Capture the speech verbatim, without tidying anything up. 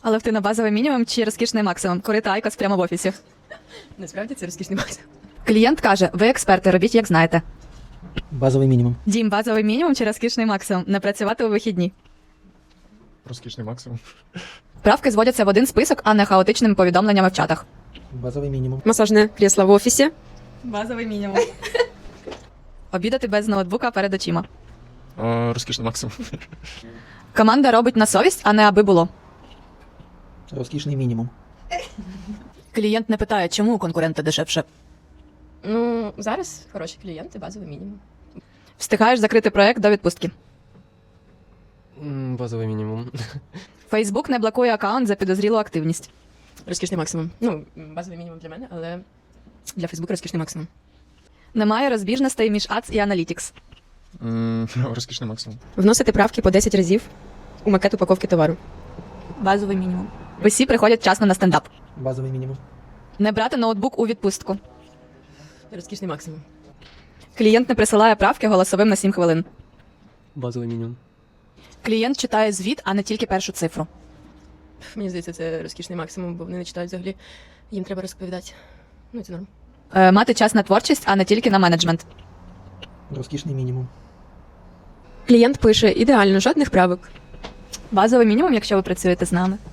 Але ти на базовий мінімум чи розкішний максимум? Курити айкос прямо в офісі. Насправді це розкішний максимум. Клієнт каже, ви експерти, робіть як знаєте. Базовий мінімум. Дім, базовий мінімум чи розкішний максимум? Не працювати у вихідні. Розкішний максимум. Правки зводяться в один список, а не хаотичними повідомленнями в чатах. Базовий мінімум. Масажне крісло в офісі. Базовий мінімум. Обідати без ноутбука перед очима. О, розкішний максимум. Команда робить на совість, а не аби було. Розкішний мінімум. Клієнт не питає, чому у конкурента дешевше. Ну, зараз хороші клієнти, базовий мінімум. Встигаєш закрити проект до відпустки. М, Базовий мінімум. Фейсбук не блокує аккаунт за підозрілу активність. Розкішний максимум. Ну, базовий мінімум для мене, але для Фейсбука розкішний максимум. Немає розбіжностей між Ads і Analytics. М, Розкішний максимум. Вносити правки по десять разів у макет упаковки товару. Базовий мінімум. Усі приходять вчасно на стендап. Базовий мінімум. Не брати ноутбук у відпустку. Розкішний максимум. Клієнт не присилає правки голосовим на сім хвилин. Базовий мінімум. Клієнт читає звіт, а не тільки першу цифру. Мені здається, це розкішний максимум, бо вони не читають взагалі. Їм треба розповідати. Ну, це норм. Е, мати час на творчість, а не тільки на менеджмент. Розкішний мінімум. Клієнт пише ідеально, жодних правок. Базовий мінімум, якщо ви працюєте з нами.